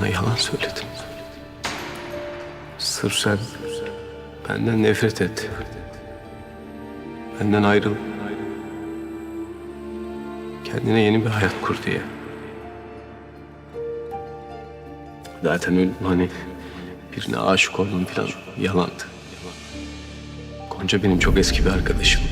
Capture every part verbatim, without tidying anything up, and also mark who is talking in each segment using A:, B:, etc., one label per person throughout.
A: Bana yalan söyledin. Sırf sen benden nefret et. Benden ayrıl. Kendine yeni bir hayat kur diye. Zaten öyle hani birine aşık oldum falan yalandı. Gonca benim çok eski bir arkadaşım.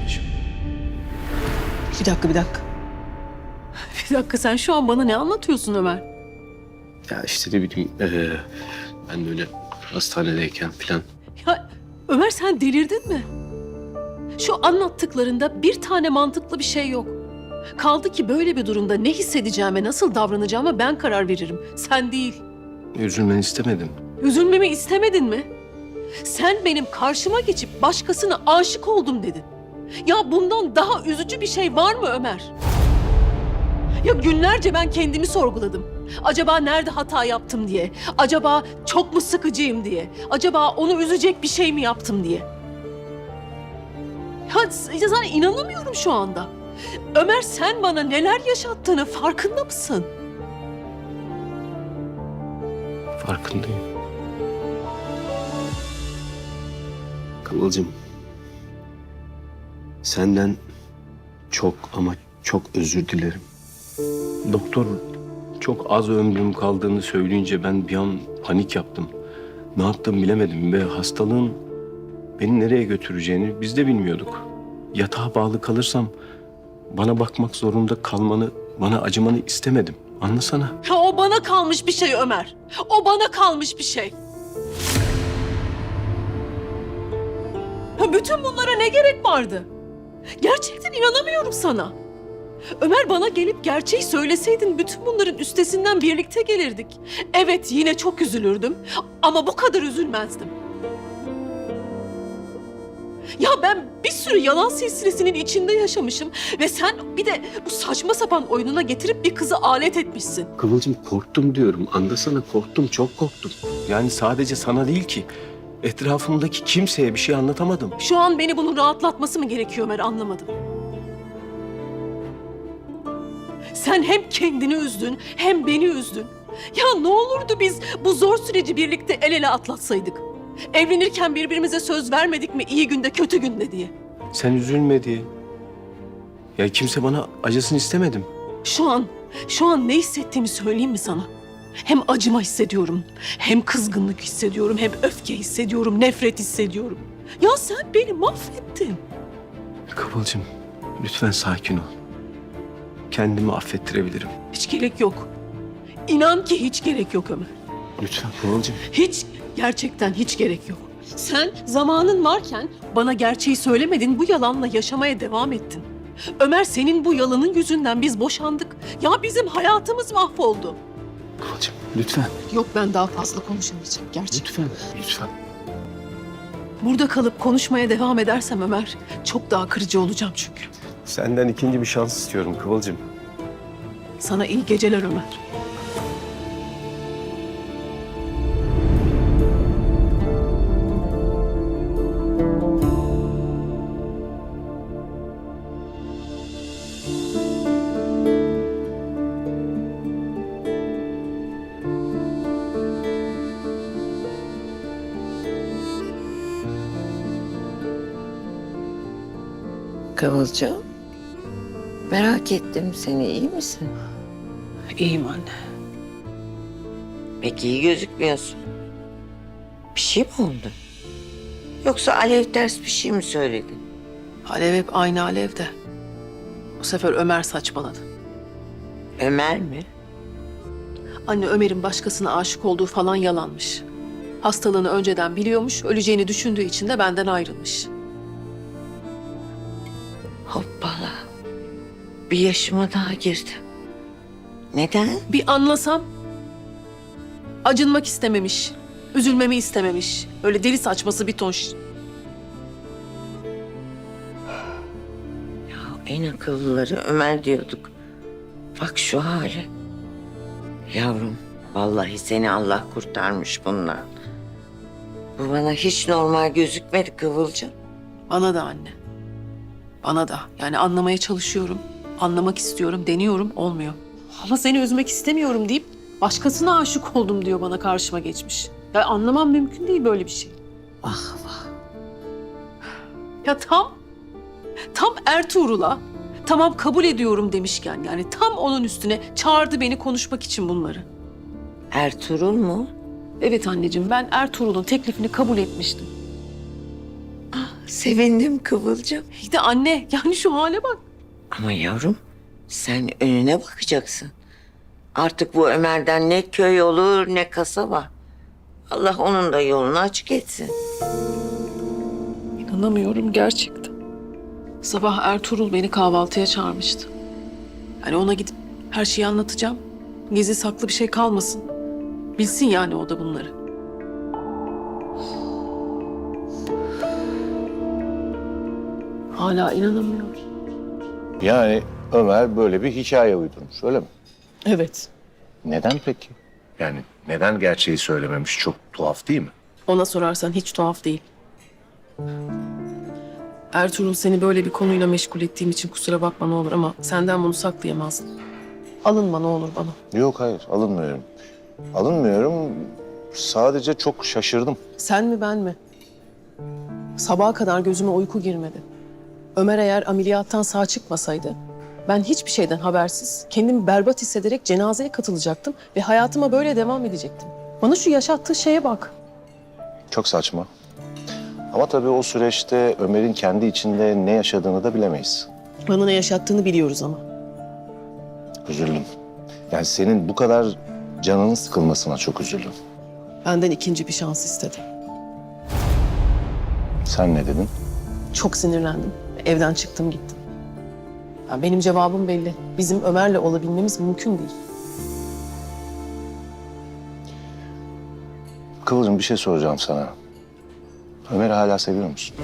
B: Bir dakika, bir dakika. Bir dakika, sen şu an bana ne anlatıyorsun Ömer?
A: Ya işte ne bileyim ee, ben de öyle hastanedeyken falan.
B: Ya Ömer, sen delirdin mi? Şu anlattıklarında bir tane mantıklı bir şey yok. Kaldı ki böyle bir durumda ne hissedeceğime, nasıl davranacağıma ben karar veririm. Sen değil.
A: Üzülmeni istemedim.
B: Üzülmemi istemedin mi? Sen benim karşıma geçip başkasına aşık oldum dedin. Ya bundan daha üzücü bir şey var mı Ömer? Ya günlerce ben kendimi sorguladım. Acaba nerede hata yaptım diye. Acaba çok mu sıkıcıyım diye. Acaba onu üzecek bir şey mi yaptım diye. Ya, ya sana inanamıyorum şu anda. Ömer, sen bana neler yaşattığını farkında mısın?
A: Farkındayım. Kıvılcım. Senden çok ama çok özür dilerim. Doktor çok az ömrüm kaldığını söyleyince ben bir an panik yaptım. Ne yaptım bilemedim ve hastalığın beni nereye götüreceğini biz de bilmiyorduk. Yatağa bağlı kalırsam bana bakmak zorunda kalmanı, bana acımanı istemedim. Anlasana.
B: Ya o bana kalmış bir şey Ömer. O bana kalmış bir şey. Ya bütün bunlara ne gerek vardı? Gerçekten inanamıyorum sana. Ömer, bana gelip gerçeği söyleseydin bütün bunların üstesinden birlikte gelirdik. Evet, yine çok üzülürdüm ama bu kadar üzülmezdim. Ya ben bir sürü yalan silsilesinin içinde yaşamışım ve sen bir de bu saçma sapan oyununa getirip bir kızı alet etmişsin.
A: Kıvılcım korktum diyorum. Anlasana korktum, çok korktum. Yani sadece sana değil ki. Etrafımdaki kimseye bir şey anlatamadım.
B: Şu an beni bunun rahatlatması mı gerekiyor Ömer, anlamadım. Sen hem kendini üzdün hem beni üzdün. Ya ne olurdu biz bu zor süreci birlikte el ele atlatsaydık? Evlenirken birbirimize söz vermedik mi iyi günde kötü günde diye?
A: Sen üzülme diye. Ya kimse bana acısını istemedim.
B: Şu an, şu an ne hissettiğimi söyleyeyim mi sana? Hem acıma hissediyorum, hem kızgınlık hissediyorum, hem öfke hissediyorum, nefret hissediyorum. Ya sen beni mahvettin.
A: Kıvılcım lütfen sakin ol. Kendimi affettirebilirim.
B: Hiç gerek yok. İnan ki hiç gerek yok Ömer.
A: Lütfen Kıvılcım.
B: Hiç, gerçekten hiç gerek yok. Sen zamanın varken bana gerçeği söylemedin, bu yalanla yaşamaya devam ettin. Ömer, senin bu yalanın yüzünden biz boşandık. Ya bizim hayatımız mahvoldu.
A: Kıvılcım lütfen.
B: Yok, ben daha fazla konuşamayacağım gerçekten.
A: Lütfen. Lütfen.
B: Burada kalıp konuşmaya devam edersem Ömer, çok daha kırıcı olacağım çünkü.
A: Senden ikinci bir şans istiyorum Kıvılcım.
B: Sana iyi geceler Ömer.
C: Kıvılcım, merak ettim seni, iyi misin?
B: İyiyim anne.
C: Pek iyi gözükmüyorsun. Bir şey mi oldu? Yoksa Alev ters bir şey mi söyledi?
B: Alev hep aynı Alev'de. Bu sefer Ömer saçmaladı.
C: Ömer mi?
B: Anne, Ömer'in başkasına aşık olduğu falan yalanmış. Hastalığını önceden biliyormuş, öleceğini düşündüğü için de benden ayrılmış.
C: Hoppala. Bir yaşıma daha girdim. Neden?
B: Bir anlasam, acınmak istememiş, üzülmemi istememiş. Öyle deli saçması bir ton. ş-
C: Ya en akıllıları Ömer diyorduk. Bak şu hali. Yavrum, vallahi seni Allah kurtarmış bundan. Bu bana hiç normal gözükmedi Kıvılcım.
B: Bana da anne. Bana da. Yani anlamaya çalışıyorum, anlamak istiyorum, deniyorum, olmuyor. Ama seni üzmek istemiyorum deyip Başkasına aşık oldum diyor bana karşıma geçmiş. Ya anlamam mümkün değil böyle bir şey.
C: Vah vah.
B: Ya tam, tam Ertuğrul'a tamam kabul ediyorum demişken yani tam onun üstüne çağırdı beni konuşmak için bunları.
C: Ertuğrul mu?
B: Evet anneciğim ben Ertuğrul'un teklifini kabul etmiştim.
C: Sevindim Kıvılcım.
B: İyi de anne yani şu hale bak.
C: Ama yavrum sen önüne bakacaksın. Artık bu Ömer'den ne köy olur ne kasaba. Allah onun da yolunu açık etsin.
B: İnanamıyorum gerçekten. Sabah Ertuğrul beni kahvaltıya çağırmıştı. Yani ona gidip her şeyi anlatacağım. Gizli saklı bir şey kalmasın. Bilsin yani o da bunları. Hala inanamıyorum.
D: Yani Ömer böyle bir hikaye uydurmuş, öyle mi?
B: Evet.
D: Neden peki? Yani neden gerçeği söylememiş? Çok tuhaf değil mi?
B: Ona sorarsan hiç tuhaf değil. Ertuğrul seni böyle bir konuyla meşgul ettiğim için kusura bakma ne olur ama senden bunu saklayamazdım. Alınma ne olur bana.
D: Yok hayır, alınmıyorum. Alınmıyorum, sadece çok şaşırdım.
B: Sen mi ben mi? Sabaha kadar gözüme uyku girmedi. Ömer eğer ameliyattan sağ çıkmasaydı ben hiçbir şeyden habersiz kendimi berbat hissederek cenazeye katılacaktım ve hayatıma böyle devam edecektim. Bana şu yaşattığı şeye bak.
D: Çok saçma. Ama tabii o süreçte Ömer'in kendi içinde ne yaşadığını da bilemeyiz.
B: Bana ne yaşattığını biliyoruz ama.
D: Üzüldüm. Yani senin bu kadar canının sıkılmasına çok üzüldüm.
B: Benden ikinci bir şans istedi.
D: Sen ne dedin?
B: Çok sinirlendim. Evden çıktım gittim. Ya benim cevabım belli. Bizim Ömer'le olabilmemiz mümkün değil.
D: Kıvılcım bir şey soracağım sana. Ömer'i hala seviyor musun?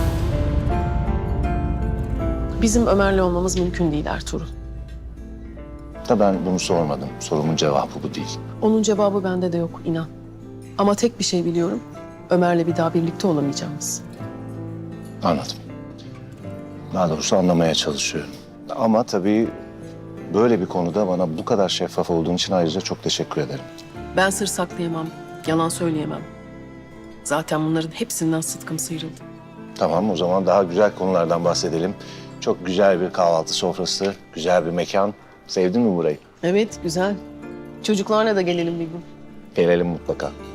B: Bizim Ömer'le olmamız mümkün değil Ertuğrul.
D: Da ben bunu sormadım. Sorumun cevabı bu değil.
B: Onun cevabı bende de yok inan. Ama tek bir şey biliyorum. Ömer'le bir daha birlikte olamayacağımız.
D: Anladım. Daha doğrusu anlamaya çalışıyorum. Ama tabii böyle bir konuda bana bu kadar şeffaf olduğun için ayrıca çok teşekkür ederim.
B: Ben sır saklayamam, yalan söyleyemem. Zaten bunların hepsinden sıtkım sıyrıldı.
D: Tamam, o zaman daha güzel konulardan bahsedelim. Çok güzel bir kahvaltı sofrası, güzel bir mekan. Sevdin mi burayı?
B: Evet, güzel. Çocuklarla da gelelim bir gün.
D: Gelelim mutlaka.